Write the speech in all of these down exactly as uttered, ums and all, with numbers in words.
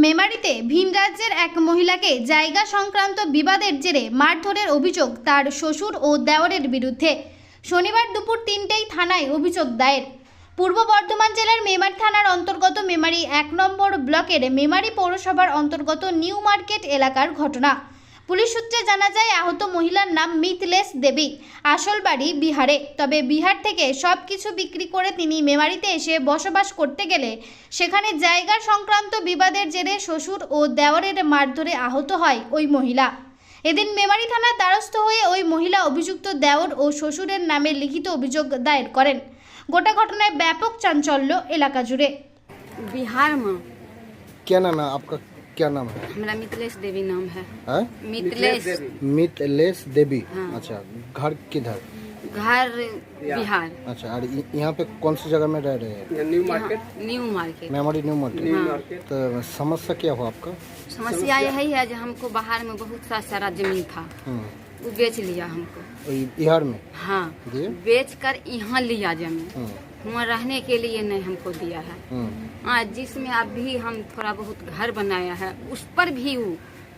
মেমারিতে ভিন রাজ্যের এক মহিলাকে জায়গা সংক্রান্ত বিবাদের জেরে মারধরের অভিযোগ তার শ্বশুর ও দেওরের বিরুদ্ধে। শনিবার দুপুর তিনটেই থানায় অভিযোগ দায়ের। পূর্ব বর্ধমান জেলার মেমারি থানার অন্তর্গত মেমারি এক নম্বর ব্লকের মেমারি পৌরসভার অন্তর্গত নিউ মার্কেট এলাকার ঘটনা। পুলিশ সূত্রে জানা যায়, আহত মহিলার নাম মিথলেশ দেবী, আসল বাড়ি বিহারে। তবে বিহার থেকে সব কিছু বিক্রি করে তিনি মেমারিতে এসে বসবাস করতে গেলে সেখানে জায়গা সংক্রান্ত বিবাদের জেরে শ্বশুর ও দেওরের মারধরে আহত হয় ওই মহিলা। এদিন মেমারি থানার দ্বারস্থ হয়ে ওই মহিলা অভিযুক্ত দেওর ও শ্বশুরের নামে লিখিত অভিযোগ দায়ের করেন। গোটা घटनाয় ব্যাপক চাঞ্চল্য এলাকা জুড়ে। बिहार में क्या नाम है आपका? क्या नाम है? हमारा मिथिलेश देवी नाम है। है? मिथिलेश मिथिलेश देवी। हाँ। अच्छा, घर किधर? घर बिहार। अच्छा, और य- यहाँ पे कौन सी जगह में रह रहे हैं? New market. New market. Memari new market. New हाँ। मार्केट। तो समस्या क्या हुआ आपका? समस्या यही है जो हमको बाहर में बहुत सा सारा जमीन था, हम्म, वो बेच लिया हमको। वही बिहार में हाँ, दिए? बेच कर यहाँ लिया जमीन, हम्म, वहाँ रहने के लिए नहीं हमको दिया है। हम्म, हाँ, जिसमें अभी हम थोड़ा बहुत घर बनाया है उस पर भी वो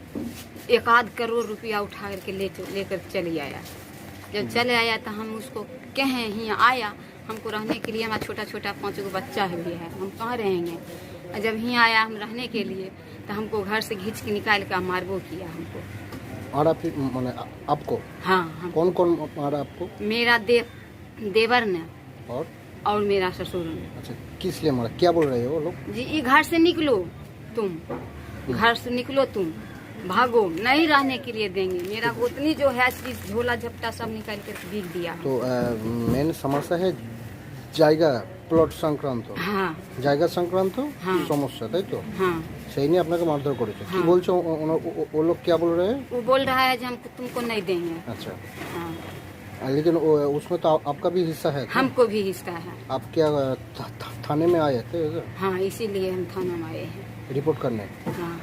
एक आध करोड़ रुपया उठा करके ले लेकर चले आया। जब चले आया तो हम उसको कहें यहाँ आया, हमको रहने के लिए हमारा छोटा छोटा पाँच गो बच्चा भी है, हम कहाँ रहेंगे। और जब यहाँ आया हम रहने के लिए तो हमको घर से घींच के निकाल कर मारबो किया हमको। और आप माने आपको हाँ, हम कौन कौन मारा आपको? मेरा देव देवर ने और और मेरा ससुर ने। अच्छा, किस लिए मारा? क्या बोल रहे हो वो लोग? जी, ये घर से निकलो तुम, घर से निकलो तुम, भागो, नहीं रहने के लिए देंगे। मेरा गोतनी जो है चीज झोला झपटा सब निकाल कर बिक दिया। तो मेन समस्या है জায়গা প্লট সংক্রান্ত। हाँ জায়গা সংক্রান্ত হ্যাঁ। সমস্যা, তাই তো? हाँ, সেই নিয়ে আপনাকে মারধর করেছে। কি হ্যাঁ। বলছো ও- ও- ও- वो लोग क्या बोल रहे हैं? वो बोल रहा है कि हम तुमको नहीं देंगे। अच्छा, हाँ, लेकिन वो- उसमें तो आप- आपका भी हिस्सा है। हमको भी हिस्सा है। आप क्या था, था, थाने में आए थे इधर हाँ, इसीलिए हम थाना में आए हैं। रिपोर्ट करने? हाँ,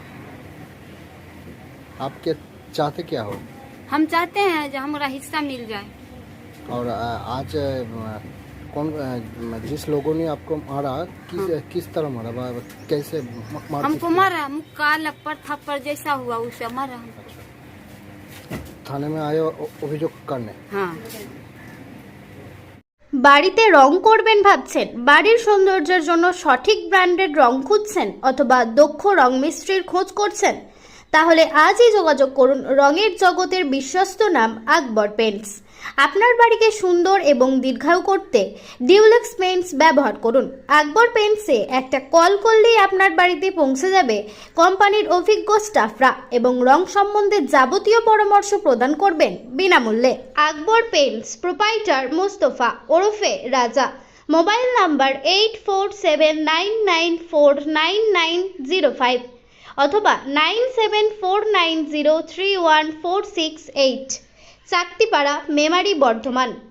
आप क्या चाहते क्या हो? हम चाहते हैं जो हमारा हिस्सा मिल जाए। और आ, आज आ, कौन आ, जिस लोगों ने आपको मारा किस किस तरह मारा? बा- कैसे म- मार हमको किस- मारा, मुक्का लप्पर थप्पड़ जैसा हुआ उसे मारा हमको। थाने में आए अ- অভিযোগ करने। हाँ, বাড়িতে রং করবেন ভাবছেন? বাড়ির সৌন্দর্যের জন্য সঠিক ব্র্যান্ডের রং খুঁজছেন অথবা দক্ষ রং মিস্ত্রির খোঁজ করছেন? তাহলে আজই যোগাযোগ করুন রঙের জগতের বিশ্বস্ত নাম আকবর পেইন্টস। আপনার বাড়িকে সুন্দর এবং দীর্ঘায়ু করতে ডিউলেক্স পেইন্টস ব্যবহার করুন। আকবর পেইন্টসে একটা কল করলেই আপনার বাড়িতে পৌঁছে যাবে কোম্পানির অভিজ্ঞ স্টাফরা এবং রং সম্বন্ধে যাবতীয় পরামর্শ প্রদান করবেন বিনামূল্যে। আকবর পেইন্টস প্রোপাইটার মোস্তফা ওরফে Raja. Mobile number eight four seven nine nine four nine nine zero five অথবা nine seven four nine zero three one four six eight. Chaktipara, Memari, Bardhaman.